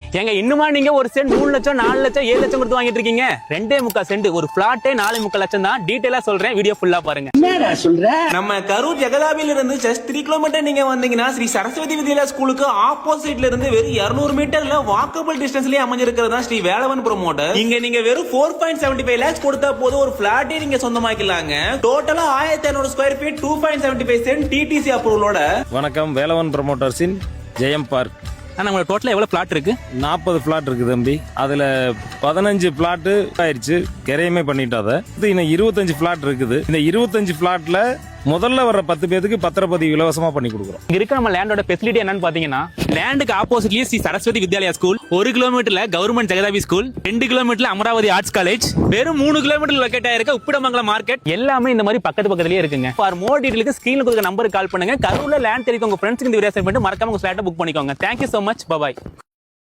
ஏங்க இன்னுமா நீங்க ஒரு சென்ட் 3 லட்சம் 4 லட்சம் 7 லட்சம் கொடுத்து வாங்கிட்டு இருக்கீங்க? 2.25 சென்ட் ஒரு பிளாட்டே 4.25 லட்சம் தான். டீடைலா சொல்றேன், வீடியோ ஃபுல்லா பாருங்க. என்னடா சொல்ற? நம்ம கரூர் ஜெகதாபில இருந்து ஜஸ்ட் 3 கிலோமீட்டர் நீங்க வந்தீங்கன்னா ஸ்ரீ சரஸ்வதி வித்யாலயா ஸ்கூலுக்கு ஆப்போசிட்ல இருந்து வெறும் 200 மீட்டர்ல வாக்கபிள் டிஸ்டன்ஸ்லயே அமைஞ்சிருக்கிறதா ஸ்ரீ வேலவன் ப்ரோமோட்டர். இங்க நீங்க வெறும் 4.75 lakhs கொடுத்தா போதும் ஒரு பிளாட்டே நீங்க சொந்தமாக்கலாங்க. டோட்டலா 1500 ஸ்கொயர் ஃபீட் 2.75 சென்ட் டிடிசி அப்ரூவலோட. வணக்கம், வேலவன் ப்ரோமோட்டர்ஸின் ஜெயம் பார்க். நம்ம டோட்டலா எவ்வளவு பிளாட் இருக்கு? 40 பிளாட் இருக்கு தம்பி. அதுல 15 பிளாட் ஆயிடுச்சு, கிரையமே பண்ணிட்டோம். இன்னும் 25 பிளாட் இருக்குது. இந்த 25 பிளாட்ல முதல்ல வர்ற 10 பேருக்கு பத்திரப்பதிவு இலவசமா பண்ணி கொடுக்குறோம். இங்க இருக்க நம்ம லேண்டோட ஃபெசிலிட்டி என்னன்னு பாத்தீங்கன்னா, லேண்டுக்கு ஆப்போசிட்லயே ஸ்ரீ சரஸ்வதி வித்யாலயா ஸ்கூல், 1 கிலோமீட்டர்ல கவர்மெண்ட் ஜெகதாபி ஸ்கூல், 2 கிலோமீட்டர்ல அமராவதி ஆர்ட்ஸ் காலேஜ், வெறும் 3 கிலோமீட்டர் லொகேட் ஆயிருக்க உப்பிடமங்கலம் மார்க்கெட், எல்லாமே இந்த மாதிரி பக்கத்து பக்கத்துலயே இருக்குங்க. ஃபார் மோர் டீடைலுக்கு ஸ்கிரீன்ல கொடுக்குற நம்பருக்கு கால் பண்ணுங்க. கரூர்ல லேண்ட் தெரியும் உங்க ஃப்ரெண்ட்ஸ்க்கு இந்த வீடியோ ஷேர் பண்ணிட்டு மறக்காம உங்க ஃபிளாட்டை புக் பண்ணிக்கோங்க. Thank you so much, by.